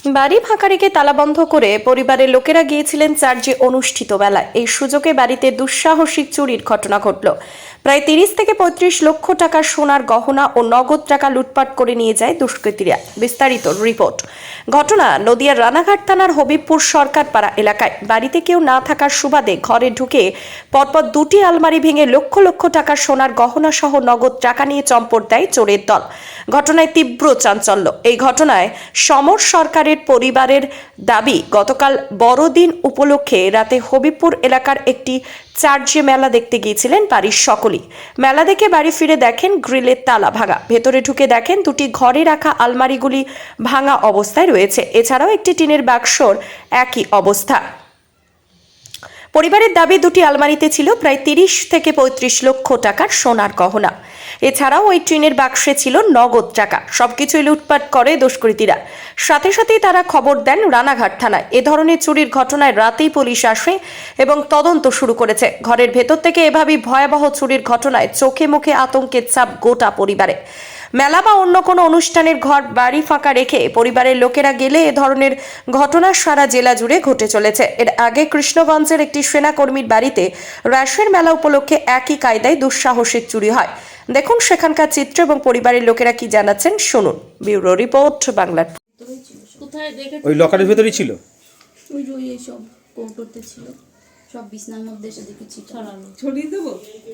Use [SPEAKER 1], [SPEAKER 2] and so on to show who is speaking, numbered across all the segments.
[SPEAKER 1] বাড়ি ফাঁকা রেখে তালাবন্ধ করে পরিবারের লোকেরা গিয়েছিলেন চার্চে অনুষ্ঠিত মেলায়। এই সুযোগে বাড়িতে দুঃসাহসিক চুরির ঘটনা ঘটল। প্রায় 30 থেকে 35 লক্ষ টাকার সোনার গহনা ও নগদ টাকা লুটপাট করে নিয়ে যায় দুষ্কৃতীরা। বিস্তারিত রিপোর্ট। ঘটনা নদিয়ার রানাঘাট থানার হবিবপুর সরকারপাড়া এলাকায়। বাড়িতে কেউ না থাকার সুবাদে ঘরে ঢুকে পরপর দুটি আলমারি ভেঙে লক্ষ লক্ষ টাকার সোনার গহনা সহ নগদ টাকা নিয়ে চম্পট দেয় চোরের দল। ঘটনায় তীব্র চাঞ্চল্য। এই ঘটনায় সমর সরকারের পরিবারের দাবি, গতকাল বড়দিন উপলক্ষে রাতে হবিবপুর এলাকার একটি চার্চে মেলা দেখতে গিয়েছিলেন বাড়ির সকলেই। মেলা দেখে বাড়ি ফিরে দেখেন গ্রিলের তালা ভাঙা। ভেতরে ঢুকে দেখেন দুটি ঘরে রাখা আলমারিগুলি ভাঙা অবস্থায় রয়েছে। এছাড়াও একটি টিনের বাক্সর একই অবস্থা। পরিবারের দাবি, দুটি আলমারিতে ছিল প্রায় 30 থেকে 35 লক্ষ টাকার সোনার গহনা। এছাড়াও ওই টিনের বাক্সে ছিল নগদ টাকা। সবকিছুই লুটপাট করে দুষ্কৃতীরা। সাথে সাথেই তারা খবর দেন রানাঘাট থানায়। এ ধরনের চুরির ঘটনায় রাতেই পুলিশ আসে এবং তদন্ত শুরু করেছে। ঘরের ভেতর থেকে এভাবেই ভয়াবহ চুরির ঘটনায় চোখে মুখে আতঙ্কের ছাপ গোটা পরিবারে। মেলা বা অন্য কোনো অনুষ্ঠানের ঘর বাড়ি ফাঁকা রেখে পরিবারের লোকেরা গেলে এ ধরনের ঘটনা সারা জেলা জুড়ে ঘটে চলেছে। এর আগে কৃষ্ণগঞ্জের একটি সেনাকর্মীর বাড়িতে রাসের মেলা উপলক্ষে একই কায়দায় দুঃসাহসিক চুরি হয়। দেখুন সেখানকার চিত্র এবং পরিবারের লোকেরা কি জানাচ্ছেন, শুনুন। ব্যুরো রিপোর্ট, বাংলার।
[SPEAKER 2] ওই লকারের ভেতরেই ছিল।
[SPEAKER 3] ওই যে ওই সব কৌটোতে ছিল, সব বিছনার মধ্যে এসে দেখেছি ছড়ানো।
[SPEAKER 4] ছড়িয়ে দেবো।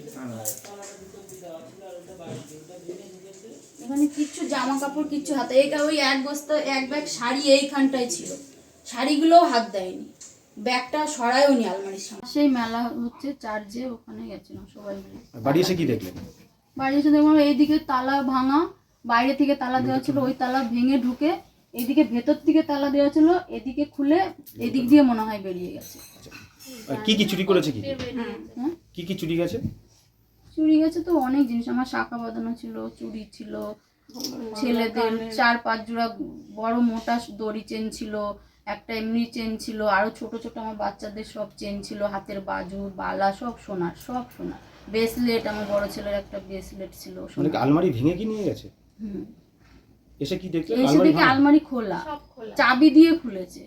[SPEAKER 3] এখানে কিচ্ছু জামা কাপড় কিচ্ছু হাতে, ওই এক বস্তা এক ব্যাগ শাড়ি এইখানটায় ছিল, শাড়িগুলোও হাত দেয়নি, ব্যাগটা সরায়ও নি আলমারির সামনে। সেই মেলা হচ্ছে চার্চে, ওখানে গেছিলাম সবাই মিলে।
[SPEAKER 2] বাড়ি এসে কি দেখলেন?
[SPEAKER 3] বাড়ি এসে দেখলাম এইদিকে তালা ভাঙা, বাইরে থেকে তালা দেওয়া ছিল, ওই তালা ভেঙে ঢুকে এদিকে ভেতর থেকে তালা দেওয়া ছিল, এদিকে খুলে এদিক দিয়ে মনে হয় বেরিয়ে গেছে।
[SPEAKER 2] কি কি চুরি করেছে?
[SPEAKER 3] হ্যাঁ,
[SPEAKER 2] কি কি চুরি গেছে?
[SPEAKER 3] চুরি গেছে তো অনেক জিনিস। আমার শাখা বাঁধানো ছিল, চুড়ি ছিল, ছেলেদের 4-5 জোড়া বড় মোটা দড়ি চেন ছিল, একটা এমনি চেন ছিল, আরো ছোট ছোট আমার বাচ্চাদের সব চেন ছিল, হাতের বাজু বালা সব সোনার, সব সোনার। ব্রেসলেট, আমার বড় ছেলের একটা ব্রেসলেট ছিল।
[SPEAKER 2] মানে আলমারি ভেঙে কি নিয়ে গেছে? এসে কি দেখলেন?
[SPEAKER 3] এসে দেখি আলমারি খোলা, চাবি দিয়ে খুলেছে।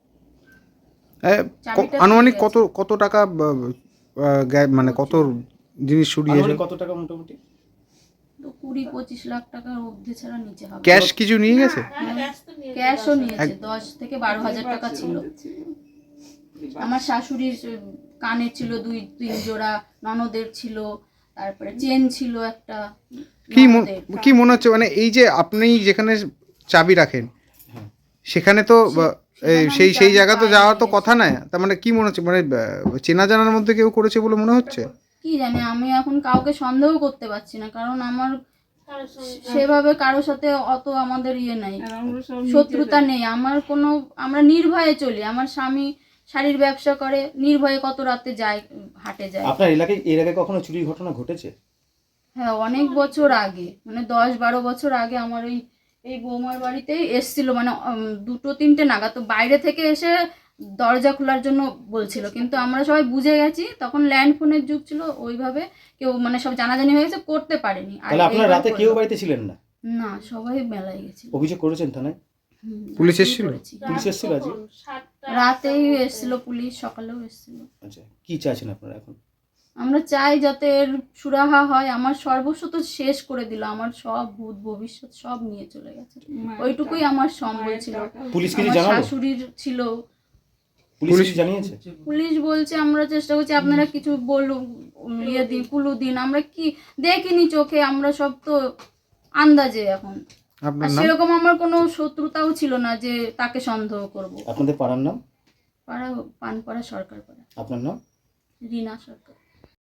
[SPEAKER 5] আনুমানিক কত টাকা, মানে কত জিনিস চুরি হয়েছে?
[SPEAKER 2] কত টাকা মোটামুটি?
[SPEAKER 3] তো 20-25 লাখ টাকার অর্ধে ছাড়া নিচে হবে।
[SPEAKER 5] ক্যাশ কিছু নিয়ে গেছে?
[SPEAKER 3] ক্যাশও নিয়েছে, 10 থেকে 12 হাজার টাকা ছিল। আমার শাশুড়ির কানের ছিল 2-3 জোড়া, ননদের ছিল, তারপরে চেন ছিল একটা।
[SPEAKER 5] কি মনে হচ্ছে, মানে এই যে আপনি যেখানে চাবি রাখেন সেখানে তো সেই জায়গা তো যাওয়ার তো কথা না, তার মানে কি মনে হচ্ছে, মানে চেনা জানার মধ্যে কেউ করেছে বলে মনে হচ্ছে?
[SPEAKER 3] কি জানি, আমি এখন কাউকে সন্দেহ করতে পারছি না, কারণ আমার সেভাবে কারোর সাথে অত আমাদের নাই, শত্রুতা নেই আমার কোনো। আমরা নির্ভয়ে চলি। আমার স্বামী শাড়ির ব্যবসা করে, নির্ভয়ে কত রাতে যায়, হাটে যায়।
[SPEAKER 2] আপনার এলাকায় এর আগে কখনো চুরির ঘটনা ঘটেছে?
[SPEAKER 3] হ্যাঁ, অনেক বছর আগে, মানে 10-12 বছর আগে আমার এই বৌমার বাড়িতেই এসছিল, মানে 2-3টে নাগাদ। তো বাইরে থেকে এসে দরজা খোলার জন্য বলছিল, কিন্তু আমরা সবাই বুঝে গেছি, তখন ল্যান্ড ফোনের যুগ ছিল, ওইভাবে কেউ মানে সব জানাজানি হয়ে গেছে, করতে পারেনি।
[SPEAKER 2] তাহলে আপনারা রাতে কেউ বাড়িতে ছিলেন না?
[SPEAKER 3] না, সবাই মেলায় গেছিল।
[SPEAKER 2] অভিযোগ করেছেন থানায়?
[SPEAKER 5] পুলিশ এসেছিল?
[SPEAKER 2] পুলিশ এসেছিল আজকে?
[SPEAKER 3] রাতেই এসেছিল পুলিশ, সকালেও এসেছিল।
[SPEAKER 2] আচ্ছা, কি চাইছেন আপনারা এখন?
[SPEAKER 3] আমরা চাই যাতে এর সুরাহা হয়। আমার সর্বস্ব তো শেষ করে দিল, আমার সব ভূত ভবিষ্যৎ সব নিয়ে চলে গেছে। ওইটুকুই আমার সম্বল ছিল।
[SPEAKER 2] পুলিশ কিছু জানালো?
[SPEAKER 3] শাশুড়ির ছিল।
[SPEAKER 2] পুলিশ জানিয়েছে?
[SPEAKER 3] পুলিশ বলছে আমরা চেষ্টা করছি, আপনারা কিছু বলুন, দিন, কুলু দিন। আমরা কি দেখিনি চোখে, আমরা সব তো আন্দাজে এখন। সেরকম আমার কোনো শত্রুতাও ছিল না যে তাকে সন্দেহ করব।
[SPEAKER 2] আপনাদের পাড়ার নাম?
[SPEAKER 3] পাড়া পানপাড়া সরকার পাড়া।
[SPEAKER 2] আপনার নাম?
[SPEAKER 3] রিনা সরকার।